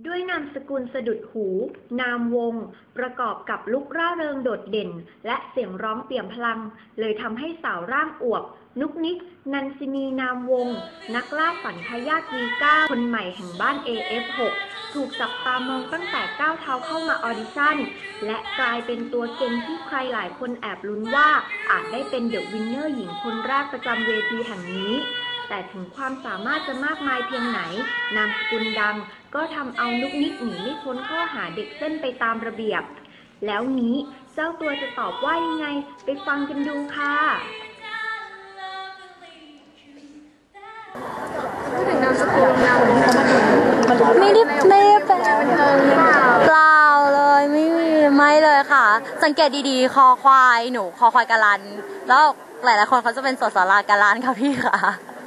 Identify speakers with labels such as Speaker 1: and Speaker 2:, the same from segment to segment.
Speaker 1: ด้วยนามสกุลสะดุดหู นามวงประกอบกับลุคร่าเริงโดดเด่นและเสียงร้องเปี่ยมพลังเลยทำให้สาวร่างอวบนุกนิก นันซินีนามวงนักล่าฝันทายาท V9 คนใหม่แห่งบ้าน AF6 ถูกจับตามองตั้งแต่ก้าวเท้าเข้ามาออดิชั่นและกลายเป็นตัวเก่งที่ใครหลายคนแอบลุ้นว่าอาจได้เป็นเดอะวินเนอร์หญิงคนแรกประจำเวทีแห่งนี้แต่ถึงความสามารถจะมากมายเพียงไหนนามสกุลดังก็ทำเอานุกนิกหนีไม่พ้นข้อหาเด็กเส้นไปตามระเบียบแล้วนี้เจ้าตัวจะตอบว่ายังไงไปฟังกันดูค่ะ
Speaker 2: พูดถึงนามสกุลนามวง
Speaker 3: ไม่ได้เป็นเปล่าเลยไม่เลยค่ะสังเกตดีๆคอควายหนูคอควายกะลันแล้วหลายๆคนเขาจะเป็นสสรากะลันค่ะพี่ค่ะ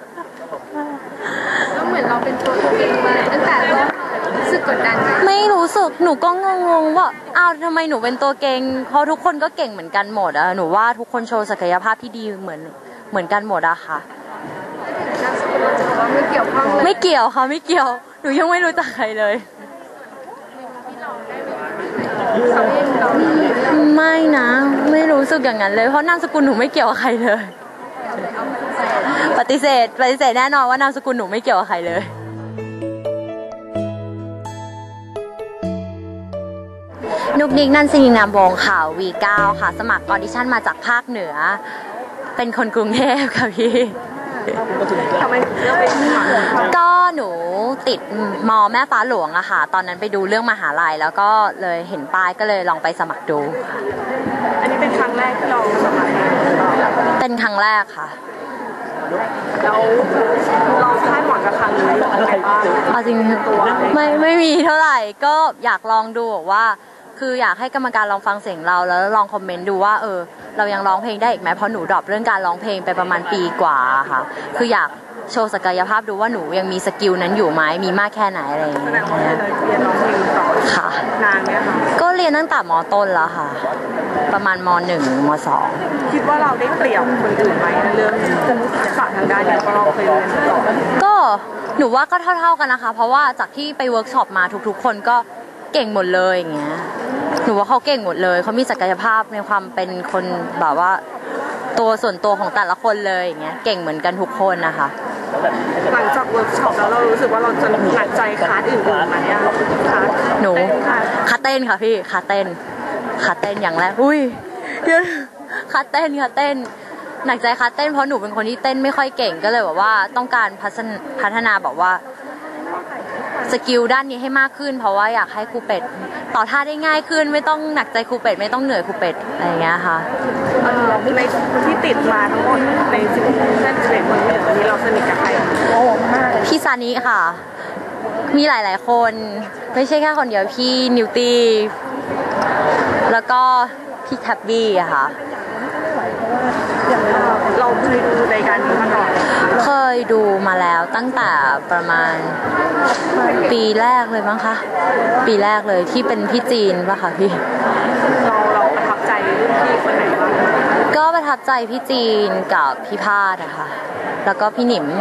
Speaker 2: ก็เหมือนเราเป็นตัวเองมาตั้งแต่ต้นรู้สึกกดดันไหม
Speaker 3: ไม่รู้สึกหนูก็งงว่าอ้าวทำไมหนูเป็นตัวเก่งเพราะทุกคนก็เก่งเหมือนกันหมดอะหนูว่าทุกคนโชว์ศักยภาพที่ดีเหมือนกันหมดอะค่ะ
Speaker 2: นามสกุลเราจะบอกว่าไม่เกี่ยวข้องเลย
Speaker 3: ไม่เกี่ยวค่ะไม่เกี่ยวหนูยังไม่รู้จักใครเลยไม่นะไม่รู้สึกอย่างนั้นเลยเพราะนามสกุลหนูไม่เกี่ยวกับใครเลยปฏิเสธแน่นอนว่านามสกุลหนูไม่เกี่ยวกับใครเลยนุกนิก นันซินีนามวงค่ะ V9 ค่ะสมัครออดิชั่นมาจากภาคเหนือเป็นคนกรุงเทพค่ะพี่
Speaker 2: ทำไมเลือกเป็น
Speaker 3: ก็หนูติดมอแม่ฟ้าหลวงอะค่ะตอนนั้นไปดูเรื่องมหาลัยแล้วก็เลยเห็นป้ายก็เลยลองไปสมัครดูค่ะ
Speaker 2: อันนี้เป็นครั้งแรกที่เราสมัคร
Speaker 3: เป็นครั้งแรกค่ะ
Speaker 2: แล้วเราคาดหวังกับครั้งนี้อะไรบ้าง
Speaker 3: เอาจริงไม่มีเท่าไหร่ก็อยากลองดูว่าคืออยากให้กรรมการลองฟังเสียงเราแล้วลองคอมเมนต์ดูว่าเรายังร้องเพลงได้อีกไหมเพราะหนูดรอปเรื่องการร้องเพลงไปประมาณปีกว่าค่ะคืออยากโชว์ศักยภาพดูว่าหนูยังมีสกิลนั้นอยู่ไหมมีมากแค่ไหนอะไรอย่างเงี้ย
Speaker 2: เรียนร้องเพลงต่อ
Speaker 3: ค่ะ
Speaker 2: นานไหมคะ
Speaker 3: ก็เรียนตั้งแต่ม.ต้นแล้วค่ะประมาณม.1 ม
Speaker 2: .2 คิดว่าเราได้เปรียบคนอื่นไหมเรื่องทักษะทางด้านนี้เพราะเราเคยเรียนมาก่อน
Speaker 3: ก็หนูว่าก็เท่ากันนะคะเพราะว่าจากที่ไปเวิร์กช็อปมาทุกๆคนก็เก่งหมดเลยอย่างเงี้ยหนูว่าเขาเก่งหมดเลยเขามีศักยภาพในความเป็นคนแบบว่าตัวส่วนตัวของแต่ละคนเลยอย่างเงี้ยเก่งเหมือนกันทุกคนนะคะ
Speaker 2: หลังจากเวิร์กช็อปแล้วเรารู้สึกว่าเราจะหนักใจคลาสอื่นๆไหมอะ
Speaker 3: หนูคาเต้นค่ะพี่คาเต้นอย่างแรกอุ้ยคาเต้นหนักใจคาเต้นเพราะหนูเป็นคนที่เต้นไม่ค่อยเก่งก็เลยแบบว่าต้องการพัฒนาแบบว่าสกิลด้านนี้ให้มากขึ้นเพราะว่าอยากให้ครูเป็ดต่อท่าได้ง่ายขึ้นไม่ต้องหนักใจครูเป็ดไม่ต้องเหนื่อยครูเป็ดอะไรอย่างเงี้ยค่ะ
Speaker 2: ในที่ติดมาทั้งหมดใน11 คนนี้เราสนิทกับใคร
Speaker 3: พี่ซานิค่ะมีหลายๆคนไม่ใช่แค่คนเดียวพี่นิวตี้แล้วก็พี่แท็บบี้อะค่ะ
Speaker 2: เราเคยดูรายการนี้มาก่อน
Speaker 3: เคยดูมาแล้วตั้งแต่ประมาณปีแรกเลยมั้งคะปีแรกเลยที่เป็นพี่จีนป่ะคะพี่
Speaker 2: เราประทับใจรุ่นพี่คนไหนบ้าง
Speaker 3: ก็ประทับใจพี่จีนกับพี่พาดอะค่ะแล้วก็พี่หนิม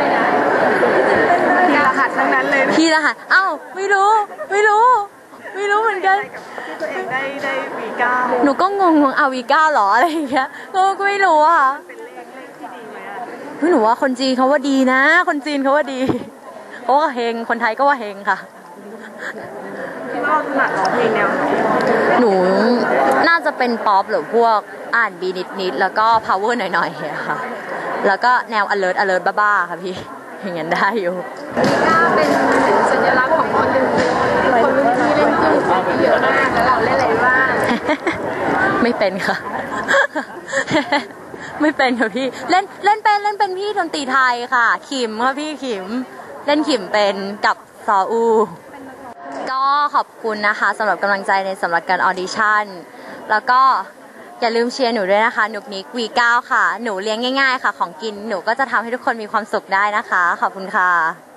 Speaker 2: พี่รหัสทั้งนั้นเลย
Speaker 3: พี่รหัสอ้าวไม่รู้เหมือนกัน
Speaker 2: ที่ตัวเองได้ V9
Speaker 3: หนูก็งงเอา V9 หรออะไรอย่างเงี้ยก็ไม่รู้อะ
Speaker 2: เป็นเลขที่ดีไหม
Speaker 3: หนูว่าคนจีนเขาว่าดีนะคนจีนเขาว่าดีเขาว่าเฮงคนไทยก็ว่าเฮงค่ะ
Speaker 2: คิดว่าถนัดร้องเพลงแนวไหน
Speaker 3: หนูน่าจะเป็นป๊อปหรือพวกR&Bนิดแล้วก็ power หน่อยๆค่ะแล้วก็แนว alert บ้าๆค่ะพี่อย่างนั้นได้อยู่
Speaker 2: V9เป็นสัญลักษณ์ของคนรุ่นพี่เล่นเครื่องเยอะมากแล้วเราเล่นอะไรบ้าง
Speaker 3: ไม่เป็นค่ะไม่เป็นค่ะพี่เล่นเป็นพี่ดนตรีไทยค่ะขิมค่ะพี่ขิมเล่นขิมเป็นกับซออูก็ขอบคุณนะคะสำหรับกำลังใจในสำหรับการออดิชั่นแล้วก็อย่าลืมเชียร์หนูด้วยนะคะนุกนิก V9 ค่ะหนูเลี้ยงง่ายๆค่ะของกินหนูก็จะทำให้ทุกคนมีความสุขได้นะคะขอบคุณค่ะ